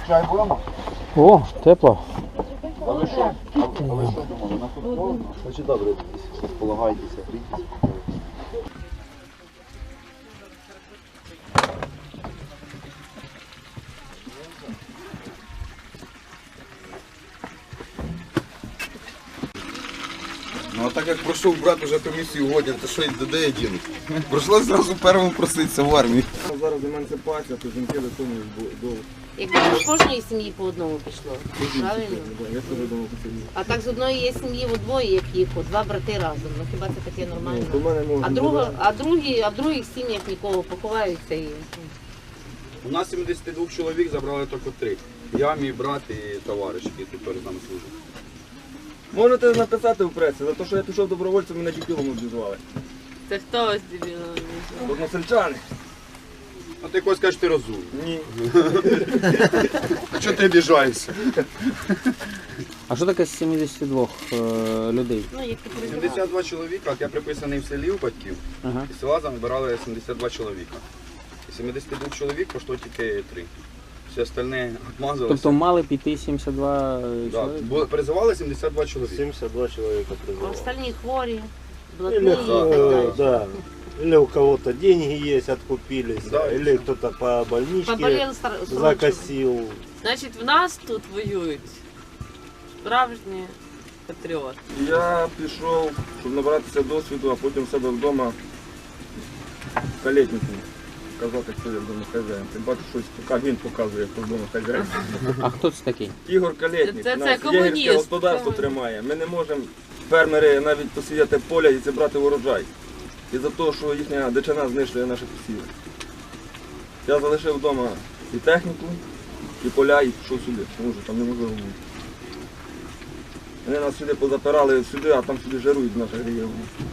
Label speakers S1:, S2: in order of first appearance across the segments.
S1: Чай будемо?
S2: О, тепло.
S1: А ви що? А ви що думали? На тут холодно? Значить добре, полагайтеся, грійтеся.
S3: Ну а так як пройшов брат уже комісію годин, то що де я діну? Прийшлося зразу першому проситися в армії.
S4: Зараз емансипація, то жінки до того до...
S5: Якби з кожної сім'ї по одному пішло, правильно?
S4: Я теж думав, що це ні.
S5: А так з одної є сім'ї у двоє, як їх, два брати разом. Ну хіба це таке нормально?
S4: Ну, то в мене можна
S5: А в других сім'ях нікого поховаються і...
S3: У нас 72 чоловік забрали тільки 3. Я, мій брат і товариш, який тут теж з нами служить.
S4: Можете написати в пресі, за те, що я пішов добровольцем, мене дебілом обізвали.
S5: Це хто ось дебіло?
S4: Односельчани.
S3: А ти когось кажеш, ти розумний.
S4: Ні.
S3: А чого ти обіжаєшся?
S2: А що таке з 72 людей?
S5: Ну, як ти переживав.
S3: 72 чоловіка, от я приписаний в селі у батьків,
S2: Ага.
S3: і села забирали 72 чоловіка. І 72 чоловік пішло тільки 3. Всі остальні обмазалися.
S2: Тобто мали піти 72
S3: Да,
S2: чоловік?
S3: призивали 72 чоловіка.
S6: 72 человека
S5: А
S6: призвало.
S5: остальні хворі,
S6: Или,
S5: блатні і так далі.
S6: да. Или у кого-то деньги есть, откупились,
S3: Да.
S6: или кто-то по больничке
S5: Поболіли срочно.
S6: закосил.
S7: Значить, в нас тут воюють справжні патріоти.
S4: Я пішов, щоб набратися досвіду, а потім в себе вдома калетнику казати, хто я вдома хазяїн. Ти бачиш, щось він показує, хто вдома хазяїн.
S2: А хто це такий?
S4: Ігор Калєтнік,
S7: Це
S4: нас
S7: комуніст.
S4: єгерське господарство тримає. Ми не можемо, фермери, навіть посіяти поля і зібрати урожай. І за те, що їхня дичина знищує наші посіви. Я залишив вдома і техніку, і поля, і пішов сюди, тому що там неможливо бути. Вони нас сюди позапирали сюди, а там сюди жарують в наших регіонах.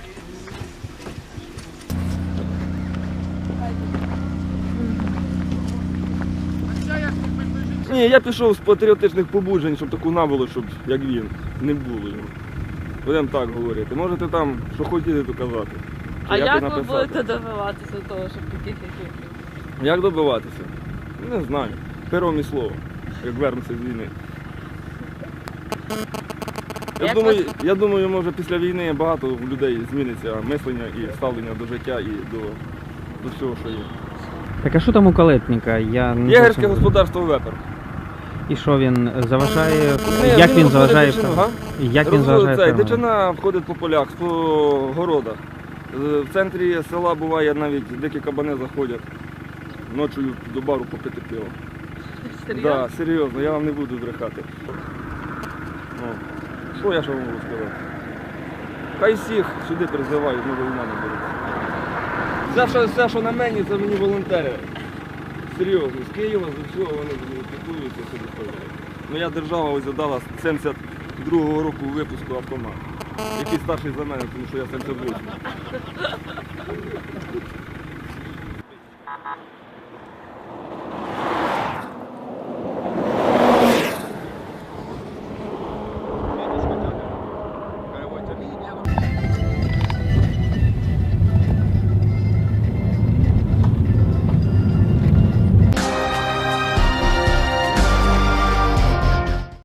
S4: Ні, я пішов з патріотичних побуджень, щоб таку набуло, щоб як він, не було його. Будемо так говорити. Можете там, що хотіли, то казати.
S7: А
S4: Чи
S7: як ви
S4: написати.
S7: будете добиватися того, щоб таких як ви?
S4: Як добиватися? Не знаю. Пером і слово, як вернуться з війни. Я думаю, може після війни багато в людей зміниться мислення і ставлення до життя і до всього, що є.
S2: Так а що там у калетника? Я не
S4: Єгерське
S2: зовсім-
S4: господарство вепер.
S2: І що він заважає?
S4: Ні,
S2: Як він
S4: виходить
S2: заважає?
S4: дичину, га?
S2: Як він заважає?
S4: Цей,
S2: фермерам?
S4: дичина входить по полях, по городах. В центрі села буває навіть дикі кабани заходять ночі до бару попити пиво.
S7: Серйозно?
S4: Да, серйозно, я вам не буду брехати. О, що я ще можу сказати? Хай всіх сюди призивають, ми до війна не беруть. Все, що на мені, це мені волонтери. Серйозно, з Києва, з усього вони піклуються сюди ходять. Моя держава ось задала з 72-го року випуску автомат. Який старший за мене, тому що я 78.